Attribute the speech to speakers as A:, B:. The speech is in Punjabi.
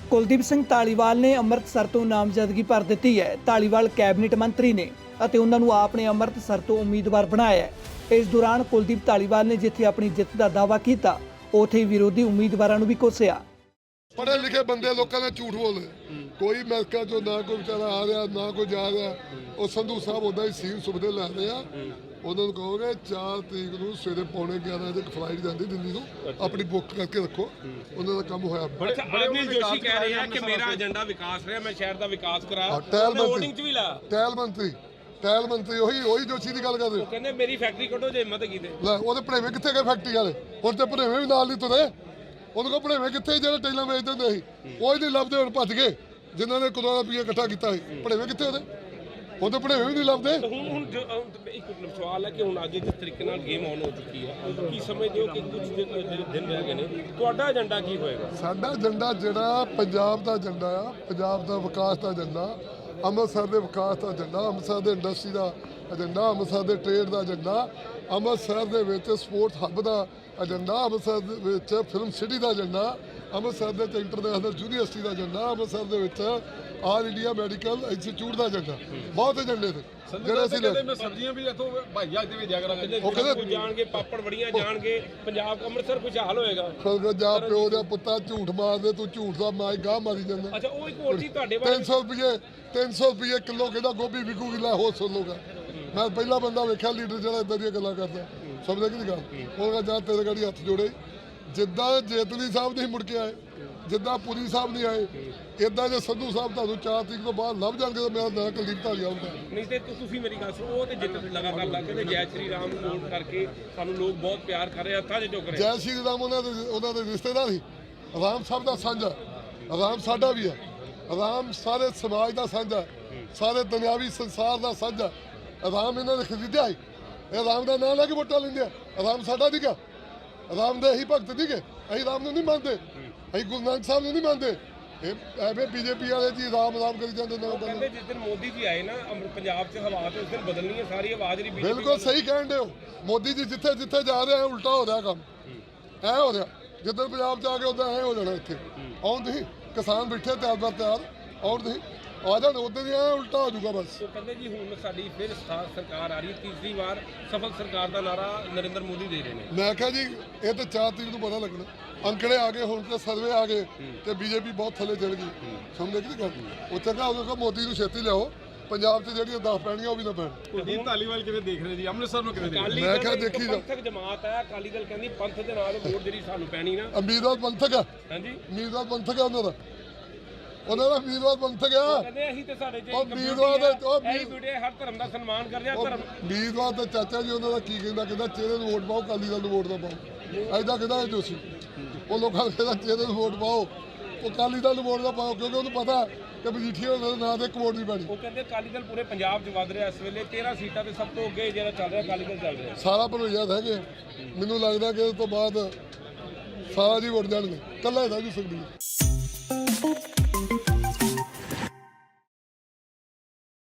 A: ਕੁਲਦੀਪ ਸਿੰਘ ਧਾਲੀਵਾਲ ਨੇ ਅੰਮ੍ਰਿਤਸਰ ਤੋਂ ਨਾਮਜ਼ਦਗੀ ਭਰ ਦਿੱਤੀ ਹੈ। ਧਾਲੀਵਾਲ ਕੈਬਨਿਟ ਮੰਤਰੀ ਨੇ ਅਤੇ ਉਹਨਾਂ ਨੂੰ ਆਪ ਨੇ ਅੰਮ੍ਰਿਤਸਰ ਤੋਂ ਉਮੀਦਵਾਰ ਬਣਾਇਆ ਹੈ। ਇਸ ਦੌਰਾਨ ਕੁਲਦੀਪ ਧਾਲੀਵਾਲ ਨੇ ਜਿੱਥੇ ਆਪਣੀ ਜਿੱਤ ਦਾ ਦਾਅਵਾ ਕੀਤਾ, ਉੱਥੇ ਵਿਰੋਧੀ ਉਮੀਦਵਾਰਾਂ ਨੂੰ ਵੀ ਕੋਸਿਆ।
B: पढ़े लिखे बंदे लोगों ने झूठ बोले, कोई अमेरिका चो ना कोई बेचारा आ रहा ना कोई जा रहा। और संधू साहब उदा ही सीन सुविधे लै रहे हैं। उन्होंने कहोगे 4 तरीक को सवेरे 11:15 फ्लाइट जाती दिल्ली को, अपनी बुक करके रखो। उन्होंने काम होया।
C: अनिल जोशी कह रहे हैं कि मेरा एजेंडा विकास है, मैं शहर का विकास करा।
B: टैल मंत्री ਉਹੀ ਜੋਸ਼ੀ ਦੀ ਗੱਲ ਕਰਦੇ ਹੋ।
C: ਕਹਿੰਦੇ ਮੇਰੀ ਫੈਕਟਰੀ ਕੱਢੋ ਜੇ ਹਿੰਮਤ ਕੀਤੀ
B: ਲੈ ਉਹਦੇ ਭਣੇਵੇਂ ਕਿੱਥੇ ਗਏ ਫੈਕਟਰੀ ਵਾਲੇ? ਹੁਣ ਤੇ ਭਣੇਵੇਂ ਵੀ ਨਾਲ ਨਹੀਂ ਤੁਰੇ। ਉਹਨੂੰ ਕੋ ਭਣੇਵੇਂ ਕਿੱਥੇ ਜਿਹੜੇ ਟੈਲਾਂ ਵੇਚਦੇ ਹੁੰਦੇ ਸੀ, ਉਹ ਹੀ ਨਹੀਂ ਲੱਭਦੇ। ਹੁਣ ਭੱਜ ਗਏ ਜਿਨ੍ਹਾਂ ਨੇ ਕਰੋੜਾਂ ਰੁਪਏ ਇਕੱਠਾ ਕੀਤਾ ਸੀ। ਭਣੇਵੇਂ ਕਿੱਥੇ ਉਹਦੇ? ਉਹਦੇ ਭਣੇਵੇਂ ਵੀ ਨਹੀਂ ਲੱਭਦੇ।
C: ਹੁਣ ਇੱਕ ਸਵਾਲ ਹੈ ਕਿ ਹੁਣ ਅੱਜ ਜਿਸ ਤਰੀਕੇ ਨਾਲ ਗੇਮ ਆਨ ਹੋ ਚੁੱਕੀ ਹੈ, ਕੀ ਸਮਝਦੇ ਹੋ ਕਿ ਕੁਝ ਦਿਨ ਰਹਿ ਗਏ ਨੇ, ਤੁਹਾਡਾ ਏਜੰਡਾ ਕੀ ਹੋਏਗਾ?
B: ਸਾਡਾ ਏਜੰਡਾ ਜਿਹੜਾ ਪੰਜਾਬ ਦਾ ਏਜੰਡਾ ਆ, ਪੰਜਾਬ ਦਾ ਵਿਕਾਸ ਦਾ ਏਜੰਡਾ, ਅੰਮ੍ਰਿਤਸਰ ਦੇ ਵਿਕਾਸ ਦਾ ਏਜੰਡਾ, ਅੰਮ੍ਰਿਤਸਰ ਦੇ ਇੰਡਸਟਰੀ ਦਾ ਏਜੰਡਾ, ਅੰਮ੍ਰਿਤਸਰ ਦੇ ਟ੍ਰੇਡ ਦਾ ਏਜੰਡਾ, ਅੰਮ੍ਰਿਤਸਰ ਦੇ ਵਿੱਚ ਸਪੋਰਟਸ ਹੱਬ ਦਾ ਏਜੰਡਾ, ਅੰਮ੍ਰਿਤਸਰ ਦੇ ਵਿੱਚ ਫਿਲਮ ਸਿਟੀ ਦਾ ਏਜੰਡਾ, ਅੰਮ੍ਰਿਤਸਰ ਦੇ ਇੰਟਰਨੈਸ਼ਨਲ ਯੂਨੀਵਰਸਿਟੀ ਦਾ ਏਜੰਡਾ, ਅੰਮ੍ਰਿਤਸਰ ਦੇ ਵਿੱਚ ਆਲ ਇੰਡੀਆ ਮੈਡੀਕਲ ਇੰਸਟੀਚਿਊਟ ਦਾ ਏਜੰਡਾ। ਬਹੁਤ ਏਜੰਡੇ ਨੇ ਜਿਹੜੇ ਅਸੀਂ
D: ਸਬਜ਼ੀਆਂ ਵੀ ਇੱਥੋਂ ਭਾਈਆ ਦੇ ਵਿੱਚ ਜਾਗਰਾਂਗੇ।
B: ਉਹ ਕਹਿੰਦੇ
C: ਜਾਣਗੇ, ਪਾਪੜ ਬੜੀਆਂ ਜਾਣਗੇ, ਪੰਜਾਬ ਅੰਮ੍ਰਿਤਸਰ ਖੁਸ਼ਹਾਲ ਹੋਏਗਾ।
B: ਜਾ ਪਿਓ ਦਾ ਪੁੱਤਾ ਝੂਠ ਮਾਰਦੇ, ਤੂੰ ਝੂਠ ਦਾ ਮਾਈ ਗਾਹ ਮਾਰੀ ਜਾਂਦਾ।
C: ਅੱਛਾ, ਉਹ ਇੱਕ ਹੋਰ ਚੀਜ਼ ਤੁਹਾਡੇ
B: 300 ਰੁਪਏ ਕਿਲੋ ਕਹਿੰਦਾ ਗੋਭੀ ਵਿਕੂਗੀ। ਲੈ ਹੋ ਸੁਣ ਲੋਗਾ, ਮੈਂ ਪਹਿਲਾ ਬੰਦਾ ਵੇਖਿਆ ਲੀਡਰ ਜਿਹੜਾ ਇਦਾਂ ਦੀਆਂ ਗੱਲਾਂ ਕਰਦਾ। ਸਮਝਦੇ ਕਿ ਨਹੀਂ ਗੱਲ? ਉਹ ਕਹਿੰਦਾ ਜਾਂ ਤੇਰੇ ਗਾੜੀ ਹੱਥ ਜੋੜੇ। ਜਿੱਦਾਂ ਜੇਤਲੀ ਸਾਹਿਬ ਨਹੀਂ ਮੁੜ ਕੇ ਆਏ, ਜਿੱਦਾਂ ਪੁਰੀ ਸਾਹਿਬ ਨਹੀਂ ਆਏ, ਇਦਾਂ ਜੇ ਸੰਧੂ ਸਾਹਿਬ ਤੁਹਾਨੂੰ 4 ਤਰੀਕ ਤੋਂ ਬਾਅਦ ਲੱਭ ਜਾਣਗੇ ਤਾਂ ਮੇਰਾ ਨਾਂ ਕੁਲਦੀਪ ਧਾਲੀਵਾਲ ਆਊਗਾ।
C: ਨਹੀਂ ਤੇ ਤੁਸੀਂ ਮੇਰੀ ਗੱਲ ਸੁਣੋ, ਉਹ ਤੇ ਜਿੱਤ ਲਗਾਤਾਰ ਲੱਗ ਕੇ ਜੈ ਸ਼੍ਰੀ ਰਾਮ ਨੂੰ ਵੋਟ ਕਰਕੇ ਸਾਨੂੰ ਲੋਕ ਬਹੁਤ ਪਿਆਰ ਕਰ ਰਹੇ, ਹੱਥਾਂ 'ਚ ਚੁੱਕ ਰਹੇ।
B: ਜੈ ਸ਼੍ਰੀ ਰਾਮ ਉਹਨਾਂ ਦੇ ਰਿਸ਼ਤੇਦਾਰ ਸੀ। ਰਾਮ ਸਭ ਦਾ ਸਾਂਝਾ, ਰਾਮ ਸਾਡਾ ਵੀ ਹੈ। ਰਾਮ ਸਾਰੇ ਸਮਾਜ ਦਾ ਸਾਂਝਾ, ਸਾਰੇ ਦੁਨਿਆਵੀ ਸੰਸਾਰ ਦਾ ਸਾਂਝਾ। ਰਾਮ ਇਹਨਾਂ ਨੇ ਖਰੀਦਿਆ ਸੀ। ਇਹ ਰਾਮ ਦਾ ਨਾਂ ਲੈ ਕੇ ਵੋਟਾਂ ਲੈਂਦੇ ਆ। ਰਾਮ ਸਾਡਾ ਨਹੀਂ ਗਾ, ਰਾਮ ਦੇ ਅਸੀਂ ਭਗਤ ਨਹੀਂ ਗੇ। ਅਸੀਂ ਰਾਮ ਨੂੰ ਨਹੀਂ ਮੰਨਦੇ, ਅਸੀਂ ਗੁਰੂ ਨਾਨਕ ਸਾਹਿਬ ਨੂੰ ਨਹੀਂ ਮੰਨਦੇ। ਇਹ ਐਵੇਂ ਬੀਜੇਪੀ ਵਾਲੇ ਜੀ ਰਾਮ ਕਰੀ ਜਾਂਦੇ ਨੇ।
C: ਕਹਿੰਦੇ ਜਿਸ ਦਿਨ ਮੋਦੀ ਜੀ ਆਏ ਨਾ ਪੰਜਾਬ 'ਚ ਹਵਾ ਤੇ ਉਸ ਦਿਨ ਬਦਲਣੀ ਹੈ ਸਾਰੀ ਆਵਾਜ਼ ਨਹੀਂ।
B: ਬਿਲਕੁਲ ਸਹੀ ਕਹਿਣ ਦੇ ਹੋ। ਮੋਦੀ ਜੀ ਜਿੱਥੇ ਜਿੱਥੇ ਜਾ ਰਹੇ ਆ ਉਲਟਾ ਹੋ ਰਿਹਾ ਕੰਮ। ਐ ਹੋ ਰਿਹਾ ਜਿੱਦਾਂ ਪੰਜਾਬ 'ਚ ਆ ਕੇ ਉਦਾਂ ਐ ਹੋ ਜਾਣਾ। ਇੱਥੇ ਆਉਣ ਤੁਸੀਂ ਕਿਸਾਨ ਬੈਠੇ ਤਿਆਰ ਆਉਣ ਤੁਸੀਂ ਆ ਜਾਣ, ਉਦੋਂ ਹੀ ਐ ਉਲਟਾ ਹੋ ਜਾਊਗਾ ਬਸ।
C: ਉਹ ਕਹਿੰਦੇ ਜੀ ਹੁਣ ਸਾਡੀ ਫਿਰ ਸਰਕਾਰ ਆ ਰਹੀ ਹੈ, ਤੀਸਰੀ ਵਾਰ ਸਫਲ ਸਰਕਾਰ ਦਾ ਨਾਰਾ ਨਰਿੰਦਰ ਮੋਦੀ ਦੇ ਰਹੇ ਨੇ।
B: ਮੈਂ ਕਿਹਾ ਜੀ ਇਹ ਤਾਂ 4 ਤਰੀਕ ਨੂੰ ਪਤਾ ਲੱਗਣਾ। ਅੰਕੜੇ ਆ ਗਏ, ਹੁਣ ਤੇ ਸਰਵੇ ਆ ਗਏ ਤੇ ਬੀਜੇਪੀ ਬਹੁਤ ਥੱਲੇ ਚੜ ਗਈ। ਸਮਝਦੇ ਕਿ ਨਹੀਂ ਗੱਲ? ਉਹ ਚੰਗਾ ਉਹਨੂੰ ਕਹੋ ਮੋਦੀ ਨੂੰ ਛੇਤੀ ਲਿਆਓ, ਪੰਜਾਬ 'ਚ ਜਿਹੜੀਆਂ 10 ਪੈਣੀਆਂ ਉਹ ਵੀ ਨਾ ਪੈਣ।
D: ਕੁਲਦੀਪ ਧਾਲੀਵਾਲ ਕਿਵੇਂ ਦੇਖ ਰਹੇ ਜੀ? ਅੰਮ੍ਰਿਤਸਰ ਨੂੰ ਕਿਵੇਂ ਦੇਖ ਰਹੇ?
B: ਮੈਂ ਕਿਹਾ ਦੇਖੀ ਜਾ,
C: ਪੰਥਕ ਜਮਾਤ ਹੈ ਅਕਾਲੀ ਦਲ, ਕਹਿੰਦੀ ਪੰਥ ਦੇ ਨਾਲ ਵੋਟ ਜਿਹੜੀ ਸਾਨੂੰ ਪੈਣੀ ਨਾ।
B: ਉਮੀਦਵਾਰ ਪੰਥਕ ਆ।
C: ਹਾਂਜੀ,
B: ਉਮੀਦਵਾਰ ਪੰਥਕ ਆ ਉਹਨਾਂ ਦਾ ਉਮੀਦਵਾਰ ਪੰਥਕ ਆ।
C: ਕਹਿੰਦੇ ਅਸੀਂ ਤੇ ਸਾਡੇ ਚ
B: ਉਮੀਦਵਾਰ ਦੇ
C: ਹਰ ਧਰਮ ਦਾ ਸਨਮਾਨ ਕਰਦੇ ਆ। ਧਰਮ
B: ਉਮੀਦਵਾਰ ਤੇ ਚਾਚਾ ਜੀ ਉਹਨਾਂ ਦਾ ਕੀ ਕਹਿੰਦਾ ਚਿਹਰੇ ਨੂੰ ਵੋਟ ਪਾਓ, ਅਕਾਲੀ ਦਲ ਨੂੰ ਵੋਟ ਨਾ ਪਾਓ। ਐਦਾਂ ਕਹਿੰਦਾ ਇਹ ਜੋਸ਼ੀ। ਉਹ ਲੋਕਾਂ ਨੂੰ ਕਹਿੰਦਾ ਚਿਹਰੇ ਨੂੰ ਵੋਟ ਪਾਓ, ਉਹ ਅਕਾਲੀ ਦਲ ਨੂੰ ਵੋਟ ਨਾ ਪਾਓ, ਕਿਉਂਕਿ ਉਹਨੂੰ ਪਤਾ ਕਿ ਮਜੀਠੀਆ ਉਹਨਾਂ ਦੇ ਨਾਂ ਤੇ ਇੱਕ ਵੋਟ ਨਹੀਂ ਪੈਣੀ।
C: ਉਹ ਕਹਿੰਦੇ ਅਕਾਲੀ ਦਲ ਪੂਰੇ ਪੰਜਾਬ 'ਚ ਵੱਧ ਰਿਹਾ ਇਸ ਵੇਲੇ, 13 ਸੀਟਾਂ ਤੇ ਸਭ ਤੋਂ ਅੱਗੇ ਜਿਹੜਾ ਚੱਲ ਰਿਹਾ ਅਕਾਲੀ ਦਲ ਚੱਲ ਰਿਹਾ।
B: ਸਾਰਾ ਭਰੋਈਆ ਹੈਗੇ। ਮੈਨੂੰ ਲੱਗਦਾ ਕਿ ਇਸ ਤੋਂ ਬਾਅਦ ਸਾਰਾ ਜੀ ਵੋਟ ਜਾਣਗੇ, ਇਕੱਲਾ ਹੀ ਰਹਿ ਜੂ ਸਕਦੀ ਹੈ।